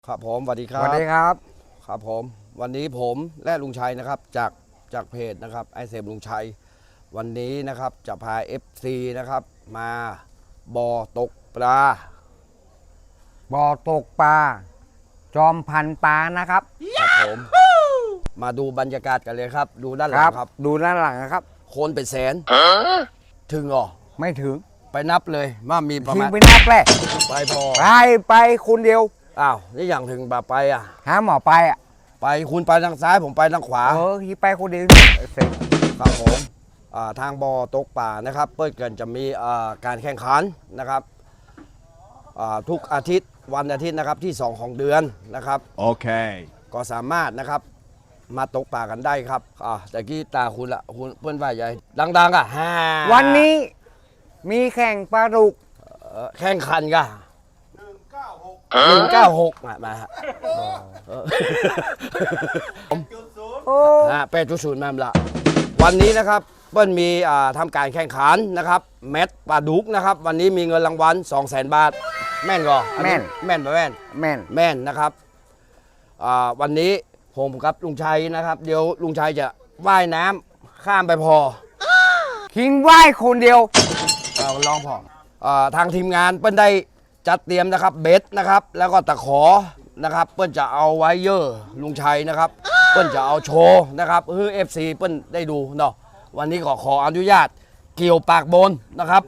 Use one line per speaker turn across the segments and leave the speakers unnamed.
ครับผมสวัสดีครับ
สวัสดีครับ
ครับผมวันนี้ผมและลุงชัยนะครับจากเพจนะครับไอเซมลุงชัยวันนี้นะครับจะพา FC นะครับมาบ่อตกปลา
บ่อตกปลาจอมพันปลานะครับ
ครับผมมาดูบรรยากาศกันเลยครับดูด้านหลังครับ
ดูด้านหลังนะครับ
คนเป็นแสนถึงเหรอ
ไม่ถึง
ไปนับเลยว่ามีประ
ทิ้ง
มาณ
ไปนับแหละ
ไปพอ
ไปคนเดียว
อ้าวนี่อย่างถึงแบบไปอ่ะ
หาหมอไปอ่ะ
ไปคุณไปทางซ้ายผมไปทางขวา
ที่ไปคนเดียวเสร็จ
ครับผมทางบ่อตกป่านะครับเปิดกันจะมีการแข่งขันนะครับทุกอาทิตย์วันอาทิตย์นะครับที่2ของเดือนนะครับ
โอเค
ก็สามารถนะครับมาตกป่ากันได้ครับแต่กี้ตาคุณละคุณเพื่อนว่าใหญ่ดังๆ
วันนี้มีแข่งปลาดุก
แข่งขันกัน196มาฮะ8.0มาละวันนี้นะครับเปิ้ลมีทำการแข่งขันนะครับแมตช์ปลาดุกนะครับวันนี้มีเงินรางวัล 200,000 บาทแม่นก่อ
แม่น
แม่นนะครับวันนี้ผมกับลุงชัยนะครับเดี๋ยวลุงชัยจะว่ายน้ำข้ามไปพอ
ทิ้งว่ายคนเดียว
ลองพอทางทีมงานเปิ้ลได้จัดเตรียมนะครับเบ็ดนะครับแล้วก็ตะขอนะครับเปิ้ลจะเอาไว้เยอะลุงชัยนะครับเปิ้ลจะเอาโชว์นะครับFC เปิ้ลได้ดูเนาะวันนี้ขออนุญาตเกี่ยวปากบนนะครับ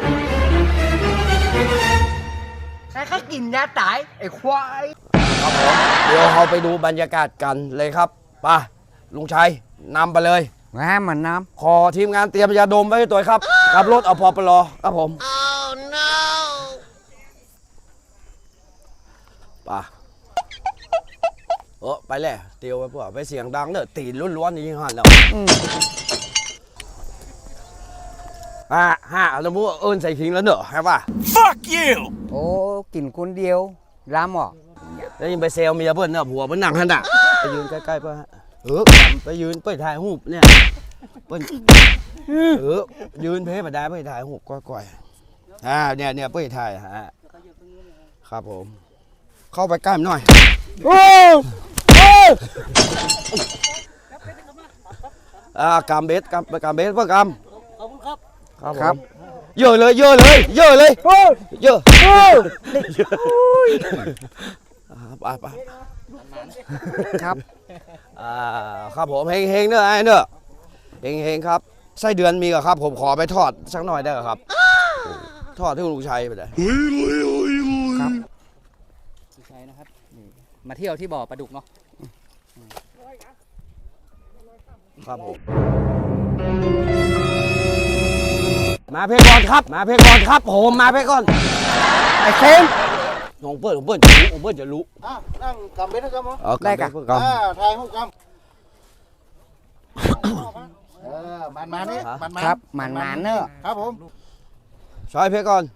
ใครเขากินยาตายไอ้ควาย
ครับผมเดี๋ยวเราไปดูบรรยากาศกันเลยครับไปลุงชัยนำไปเลย
เหมือนน้
ำขอทีมงานเตรียมยาดมไว้ให้ตัวครับขับรถเอาพอปลอครับผมป่ะไปแล้วเตียวไปพวกไปเสียงดังเนอะตีนล้วนๆนี่หันแล้วแล้วมูเอิญใส่ขิงแล้วเนอะใช่ป่ะ
fuck you
โอ้กินคนเดียวล้ำหรอ
แล้วยังไปเซลเมียเพื่อนเนอะผัวเพื่อนนั่งหันอ่ะไปยืนใกล้ๆเพื่อนไปยืนไปถ่ายรูปเนี่ยเพื่อนยืนเพ่มาได้ไปถ่ายรูปก้อยเนี่ยไปถ่ายครับผมเข้าไปใกล้หน่อยกำเบสเพื่อกำขอบคุณครับเยอะเลยเยอะไปครับครับผมเฮงเนอะไอ้เนอะเฮงครับไส้เดือนมีเหรอครับผมขอไปทอดสักหน่อยได้เหรอครับทอดที่ลุงชัยไปเลย
ครับลุงชัยนะครับมาเที่ยวที่บ่อปลาดุกเนาะ
ครับผมมาเพก่อนครับผมมาเพก่อนไอ้เซมน้องเปิ้ลจะรู้
นั่งกำเบ็ดนะครับมั้ง
ได้กัน
ถ่ายหูกำมันนี่
ครับมันเนอะ
ครับผม
ใช้เพก่อน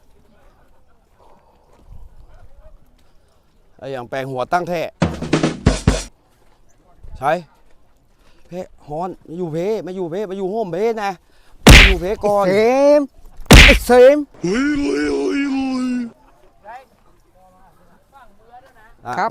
ไอ้อย่างแปลงหัวตั้งแท้ใช้เพฮอนมาอยู่โฮมเพนะมาอยู่เพก่อน
เซมครับ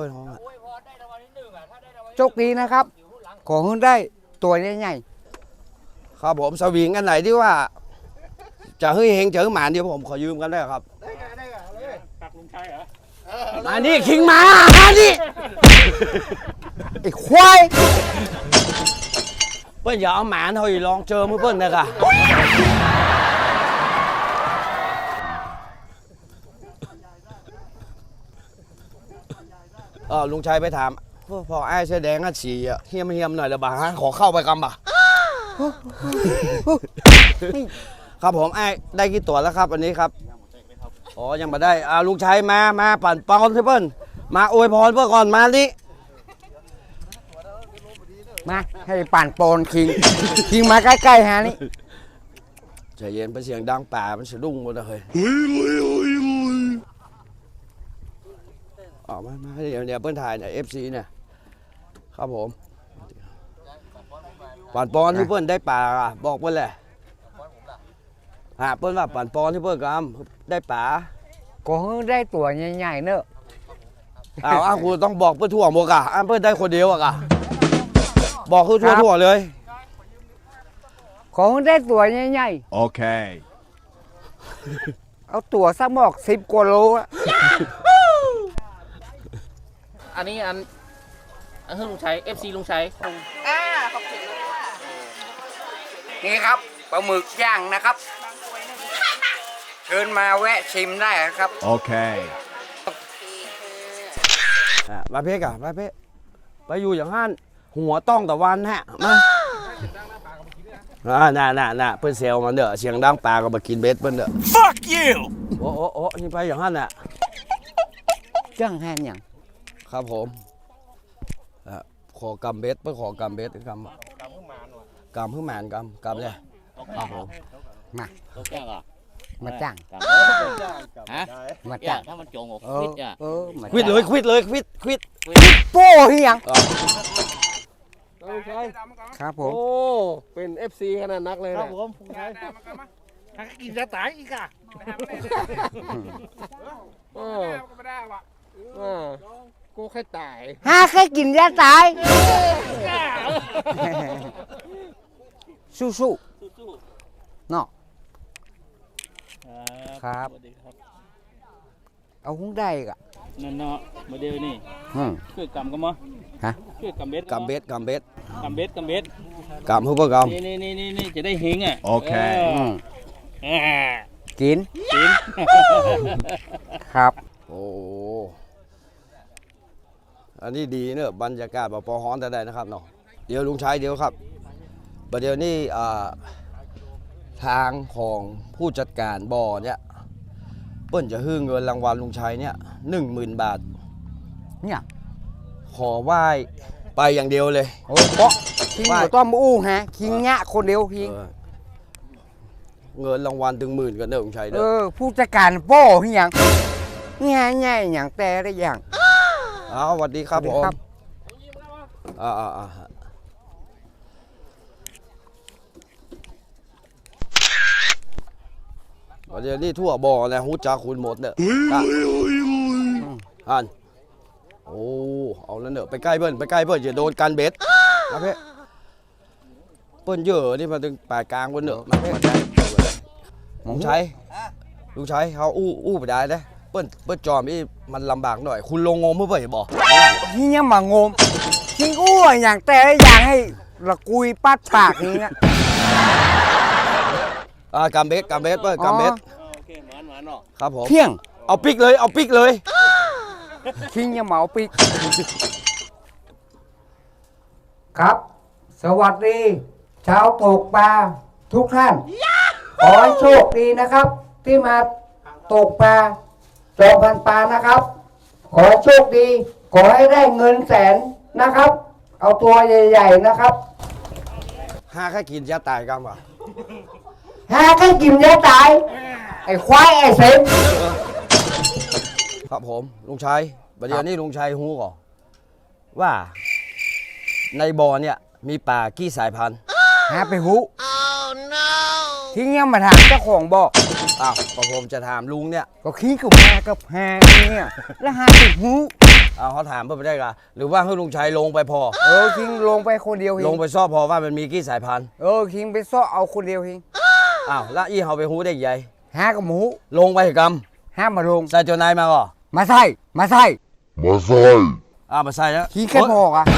โชคดีนะครับขอให้ได้ตัวใหญ่
ๆครับผมสวิงอันไหนที่ว่าจะเฮ้ยเฮงเจอหมาเดียวผมขอยืมกันได้ครับ
ได้เลยตักลุงชัยเหรอ
มานี่คิงมานี่
ไอ้ควาย
เปิ้ลอย่าเอาหมาเฮ้ยลองเจอมือเปิ้ลนะค่ะลุงชัยไปถามพอไอ้เสื้อแดงอ่ะฉี่เฮียมหน่อยละบ่าขอเข้าไปกำบ่ะครับผมไอ้ได้กี่ตัวแล้วครับวันนี้ครับยังมาได้ลุงชัยมาปั่นปอนเพื่อนมาอวยพรเพื่อก่อนมานี่
มาให้ปั่นปอนคิงมาใกล้ๆฮะนี่
ใจเย็นไปเสียงดังป่ามันสะดุ้งหมดเลยมาเดี๋ยวเพื่อนถ่ายเนี่ย FC เนี่ยครับผมปั่นปอนที่เพื่อนได้ป่าบอกเพื่อนเลยเพื่อนว่าปั่นปอนที่เพื่อนกำได้ป่า
ก็ได้ตัวใหญ่ๆเนอะ
อ้าวกูต้องบอกเพื่อทั่วหมดอ่ะเพื่อได้คนเดียวอ่ะบอกคือทั่วเลย
ของได้ตัวใหญ่
Okay.
ๆเอาตัวสักหมอก10 กว่าโลอะ
อันนี้อันคือลุงชัย FC ลุงชัย
นี่ครับปลาหมึกย่างนะครับ เชิญมาแวะชิมได้ครับ
Okay.
มาเพกอ่ะมาเพกไปอยู่อย่างห้านหัวต้องตะวันฮะมาน่ะเพื่อนเซลมันเด้อเสียงดังปลาก็มากินเบ็ดเพื่อนเด้อ
Fuck you.
โอ้นี่ไปอย่างห้านน่ะ
จ้างแฮนอย่าง
ครับผมขอกำเบ็ดเพื่อขอกำเบ็ดกำขึ้นมานกำเลยครับผม
มา
ตัวแก้วอ่ะ
มาจ้าง
ฮะ
มา
จ้า
จ้าง
ถ้ามันโจงออก
เอ
ฟิ
อ
ตอ่ะ
มา
ควิดเลยควิด
โป้ที่ยัง
อ่ะ
ครับผม
โอ้ เป็น FC ขนาดนักเลย
ครับ
นะ
ผมลุงชัยถ้ากินจะตายอีกอ่ะ
เออเออกูแค่ตาย
หาแค่กินยาตาย สู้ๆเนาะ ครับ
สวัสดีครับ
เอาหุ้งได้กะ
นั่นเนาะโมเดลนี่
อืม
คือกำกันมั้ย
ฮะ
คือกำเบ็ด
กำเบ็ด
กำเบ็ด
กำเพื่อก
นี่จะได้เฮงอ่ะ
โอเค
อืม
เออ
กิน
กิน
ครับ
ำโอ้อันนี้ดีเนอะบรรยากาศแบบพอฮ้อนแต่ได้นะครับเนาะเดี๋ยวลุงชัยเดี๋ยวครับประเดี๋ยวนี้ทางของผู้จัดการบ่อเนี่ยเปิ้นจะฮื้อเงินรางวัลลุงชัยเนี่ย10,000 บาท
เนี่ย
ขอไหว้ไปอย่างเดียวเลย
โอ้เปาะคิงหัวต้อมอู้ฮะคิงเนี้ยคนเดียวคิง
เงินรางวัลถึง10,000กันเนอะลุงชัยเน
เอ
อะ
อ ผู้จัดการโป้ที่ยังง่ายอย่างแต่ได้อย่าง
เอาสวัสดีครับ
สวัส
ผ
ดี
ม
ครับ
ประเดี๋ยวนี้ทั่วบ่อนะฮู้จักคุณหมดเนอะอันโอ้เอาแล้วเนอะไปใกล้เบิ้ลอย่าโดนกันเบ็ดมาเพ่เปิ้นเยอะนี่มาถึงปลายกลางเบิ้ลเนอะมาเพ่ลุงชัยเขาอู้ไปได้เลยเปิ้นจอมนี่มันลำบากหน่อย คุณลงงมเพื่อไปบอก
ที่ยังมางมคิงอู้อย่างแต่ได้อย่างให้ละกุยปัดปากนี้นะ
กำเบ็ดเปิ้นกำเบ็ด
โอเคหวานเนาะ
ครับผม
เที่ยง
เอาปิกเลย
คิงยังเหมาปิกครับ สวัสดีชาวตกปลาทุกท่าน ขอให้โชคดีนะครับ ที่มาตกปลาจอมพันปลานะครับ ขอให้โชคดี ขอให้ได้เงินแสนนะครับ เอาตัวใหญ่ๆนะครับ
ห้าแค่กินยาตายกันว่ะ
หาแค่กินยาตาย ไอ้ควายไอ้เสม
ครับผมลุงชัยประเดี๋ยวนี้ลุงชัยฮู้ก่อนว่าในบ่อเนี่ยมีปลากี่สายพันธุ์
หาไปหูทิ้งยังมาถามเจ้าของบอก
อ้าวก็ผมจะถามลุงเนี่ย
ก็ขี้กับมากับหาเนี่ยแล้วหาไปหู
เอาเขาถามเพื่อไปได้กะหรือว่าให้ลุงชัยลงไปพอ
คิงลงไปคนเดียว
ลงไปซอบพอว่ามันมีกี่สายพันธุ์
คิงไปซ้อเอาคนเดียวคิง
อ้าวแล้วอีเขาไปฮู้ได้ยังไง
หากับหมู
ลงไปก
ห้ามมาลง
ำใส่เจ้านายมาก่อ
มาใส่
อ้าวมาใส่แล้ว
ขี้แค่พอกอ่ะ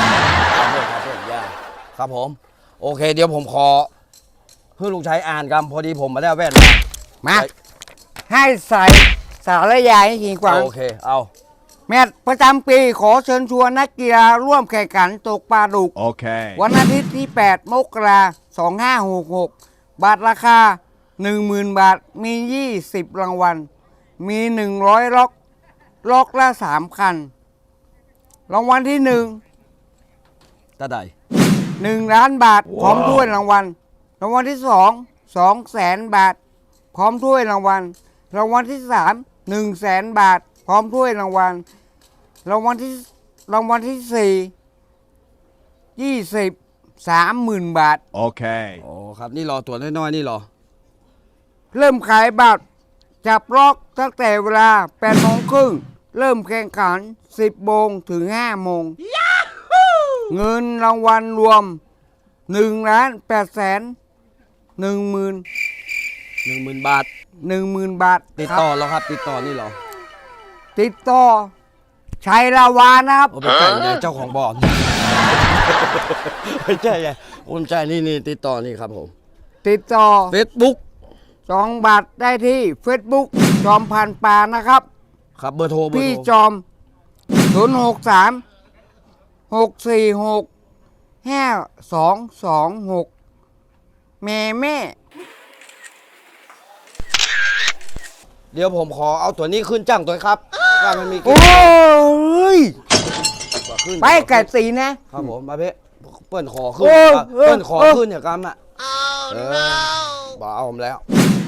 ครับผมโอเคเดี๋ยวผมขอให้ลุงชัยอ่านกำพอดีผมมาได้แว่น
มาให้ใส่สารยายให้คิงกวาง
โอเคเอา
แมตช์ประจำปีขอเชิญชวนนักกีฬาร่วมแข่งขันตกปลาดุก
Okay.
วันอาทิตย์ที่ 8 มกราคม 2566 บาทราคา 10,000 บาท มี 20 รางวัล มี 100 ล็อกละ 3 คัน รางวัลที่
ตาใด
1 ล้านบาท พร้อมถ้วยรางวัล รางวัลที่ 2 200,000 บาท พร้อมถ้วยรางวัล รางวัลที่ 3 100,000 บาท พร้อมถ้วยรางวัล รางวัลที่30 บาท
Okay.
โอ้ครับนี่รอตัวน้อยๆนี่รอ
เริ่มขายบัตรจับล็อกตั้งแต่เวลา 8 โมงครึ่งเริ่มแข่งขัน 10 โมงถึง 5 โมง เงินรางวัลรวม 1,810,000
10,000 บาท
10,000 บาท
ติด
ครับ
ต่อแล้วครับ ติดต่อนี่เหรอ
ติดต่อชัยลาวานะครับ
ผมเป็นไงเจ้าของบ่อ ไม่ใช่ไงผมใช่นี่ติดต่อนี่ครับผม
ติดต่อ
Facebook
2 บาทได้ที่ Facebook จอมพันปานะครับ
ครับเบอร์โทร
พี่จอม 063 646 5226 แม่
เดี๋ยวผมขอเอาตัวนี้ขึ้นจ้างตัวครับว่ามันมี
โอ้ย
ขึ้น
ไปไก่ตีนะ
ครับผมมาเพ่เปิ้นขอขึ้น
โอ้
เปิ้นขอ
โอ้
ขึ้นอย่างกรรมอ่ะบอกเอาผมแล้ว